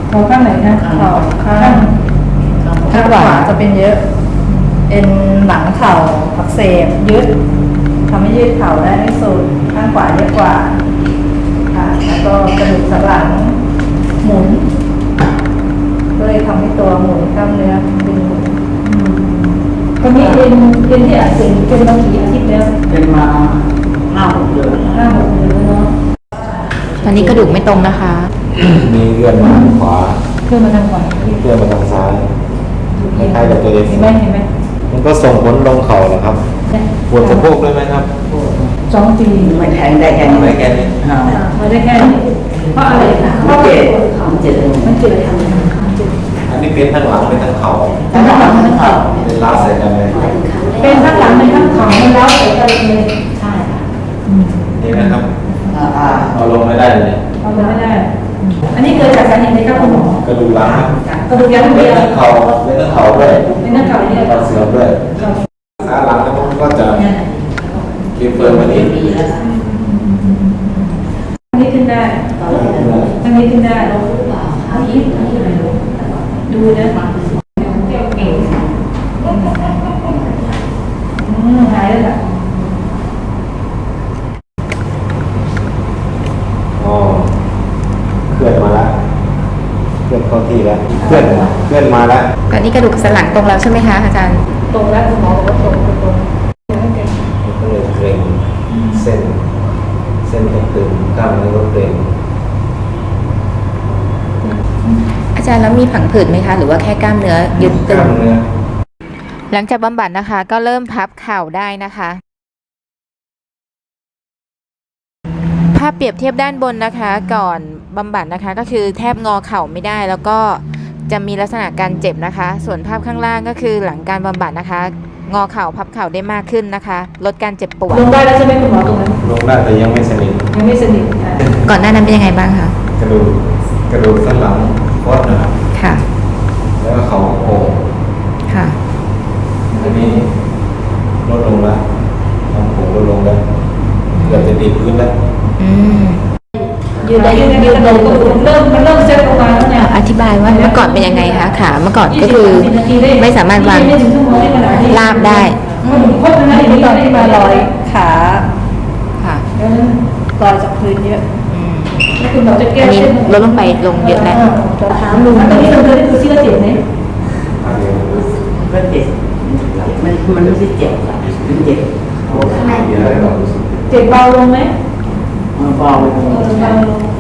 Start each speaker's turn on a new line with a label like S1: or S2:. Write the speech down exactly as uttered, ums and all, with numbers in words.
S1: เข่าข้างไหนนะเข่าข้างข้างขวาจะเป็นเยอะเอ็นหลังเข่าอักเสบยืดทำให้ยืดเข่าได้ไม่สุดข้างขวาเยอะกว่าค่ะแล้วก็กระดูกสันหลังหมุนก็เลยทำให้ตัวหมุนกล้ามเนื้อดึงหมุนคนนี้เอ็นเอ็นที่อักเสบเป็นมากี่อาทิตย์แล้ว
S2: เป็นมาห้าหกเดือน
S1: ห้าหกเดือนเนาะ
S3: ตอนนี้กระดูกไม่ตรงนะคะ
S4: มีเลื่อนมาทางขวา
S1: เลื่อนมาทางขวา
S4: เลื่อนมาทางซ้ายคล้ายๆกับตัวเอง
S1: เห็นไหมเห็นไหม
S4: มันก็ส่งผลลงเข่าเหรอครับปวดสะโพกด้วยไหมครับ
S1: สองปี
S2: ไม่แทงได้แค่นี้
S4: ไม่แค่นี้
S1: ไม่ได้แค่นี้เพราะอะไรคะเพราะ
S2: เจ็บ
S1: มันเจ็บมันเจ็บทำไม
S4: อันนี้เป็นทั้งหลังเป็นทั้งเข่า
S1: ทั้งหลังทั้งเข่า
S4: เป็นล้าใส่กันเลย
S1: เป็นทั้งหลังเป็นทั้งเข่ามันแล้วใส่กันเลยใช่ค่ะ
S4: นี่นะครับเอาลงไม่ได้เลย
S1: เอาลงไม่ได้อันนี้เกิดจากสาเหตุใดครับคุณหมอก
S4: ระดูกหลัง
S1: กระดูกยันเดียว
S4: เป็นทั้งเข่าเป็นทั้งเข่าด้วย
S1: เป็นทั้งเข่าเนี่ย
S4: เสื่อมด้วยขาหลังแล้วมันก็จะเก็บเฟิร์มวันนี้
S1: อันนี้ขึ้นได้อันนี้ขึ้นได้เราอันนี้ดูนะหายแล้วค่ะ
S4: อ๋อเคลื่อนมาแล้วเคลื่อนเข้าที่แล้วเคลื่อนเคลื่อนมาแล้ว
S3: ตอนนี้กระดูกสันหลังตรงแล้วใช่ไหมคะอาจารย์
S1: ตรงแล้วคุณหมอบอกว่าตรงตรง
S4: ก็เลยเกร็งเส้นเส้นก็ตึงกล้ามเนื้อก็เกร็ง
S3: อาจารย์แล้วมีผังผืดไหมคะหรือว่าแค่กล้ามเนื้อยึดตึงหลังจากบำบัดนะคะก็เริ่มพับเข่าได้นะคะภาพเปรียบเทียบด้านบนนะคะก่อนบำบัดนะคะก็คือแทบงอเข่าไม่ได้แล้วก็จะมีลักษณะการเจ็บนะคะส่วนภาพข้างล่างก็คือหลังการบำบัดนะคะงอเข่าพับเข่าได้มากขึ้นนะคะลดการเจ็บปวด
S1: ลงได้แล้วใช่ไหมคุณหมอตรงนั้น
S4: ลงได้แต่ยังไม่สนิท
S1: ยังไม่สนิท
S3: ก่อนหน้านั้นเป็นยังไงบ้างคะ
S4: กระดูกกระดูกสันหลังคดนะครับ
S3: ค่ะ
S4: แล้วก็เข่าโค้ง
S3: ค่ะ
S4: อันนี้ลดลงแล้วความโค้งลดลงแล้วเกือบจะดีขึ้นแล้ว
S3: อืม
S1: ยืนได้ยืนยืนลงก็เริ่มมันเริ่มเซ็ตลงมาแล้วเนี่ย
S3: อธิบายว่าเมื่อก่อนเป็นยังไงคะขาเมื่อก่อนก็คือไม่สามารถวางลาบได้
S1: พบนะอย่างนี้ตอนที่มาลอยขา
S3: ค่ะ
S1: แล้วลอยจากพื้นเยอะแล้วคุณหมอจะแก้
S3: อันนี้ลดลงไปลงเยอะแล้ว
S1: จะถามลุงตอนนี้เราเคยได้ดูซิว่าเจ็บไหม
S2: ก็เจ็บมันมันไม่ใช่เจ็บมันเจ็บ
S1: เจ็บเบาลงไหม
S2: เบาลง
S1: เบาลง